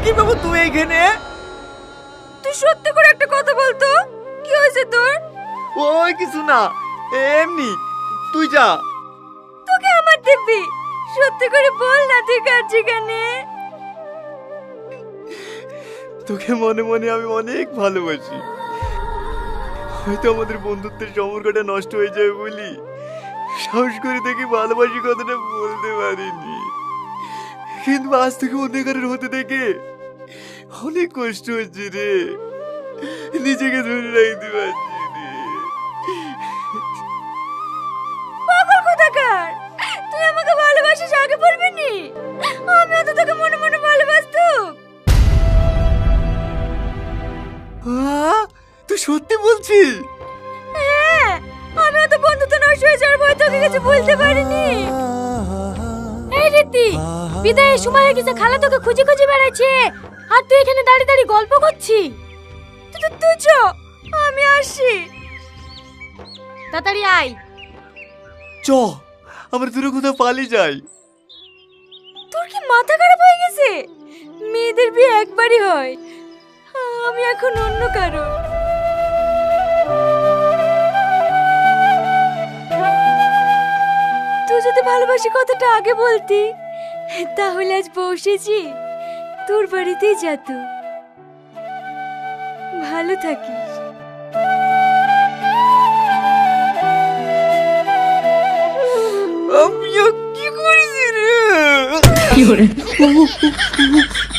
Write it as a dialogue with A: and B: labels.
A: কি বাবু তুই এইখানে?
B: তুই সত্যি করে একটা কথা বলতো, কি হয়েছে তোর?
A: ওই কিছু না, এমনি। তুই যা।
B: তোকে আমার দিব্যি, সত্যি করে বল না তুই কার ঠিকানে।
A: তোকে মনে মনে আমি অনেক ভালোবাসি। হয়তো আমাদের বন্ধুত্বের সম্পর্কটা নষ্ট হয়ে যাবে বলি সাহস করে দেখি ভালোবাসি কথাটা বলতে পারিনি, কিন্তু আজ থেকে অন্ধকারের হতে দেখে অনেক কষ্ট হচ্ছে রে। নিজেকে ধরে রাখতে পারছি রে।
B: পাগল কোথাকার, তুই আমাকে ভালোবাসিস আগে বলবি নি? আমিও তো তোকে মনে মনে ভালোবাসতাম।
A: তুই সত্যি বলছিস?
B: হ্যাঁ, আমিও তো বন্ধুত্ব নষ্ট হয়ে যাওয়ার ভয় তোকে কিছু বলতে পারিনি। এই রীতি, বিদায়ের সময় হয়ে গেছে, খালা তোকে খুঁজে খুঁজে বেড়াচ্ছে আর তুই এখানে দাঁড়িয়ে দাঁড়িয়ে গল্প করছিস। তুই চ, আমি আসি। তাড়াতাড়ি আয়।
A: চ, আমরা দূরে কোথাও পালিয়ে যাই।
B: তোর কি মাথা খারাপ হয়ে গেছে? মেয়েদের বিয়ে একবারই হয়, আমি এখন অন্য কারো। তুই যদি ভালোবাসি কথাটা আগে বলতি, তাহলে আজ বসেছি তোর বাড়িতেই যেত। ভালো থাকিস।
A: আমিও কি করেছি রে?
C: কি করে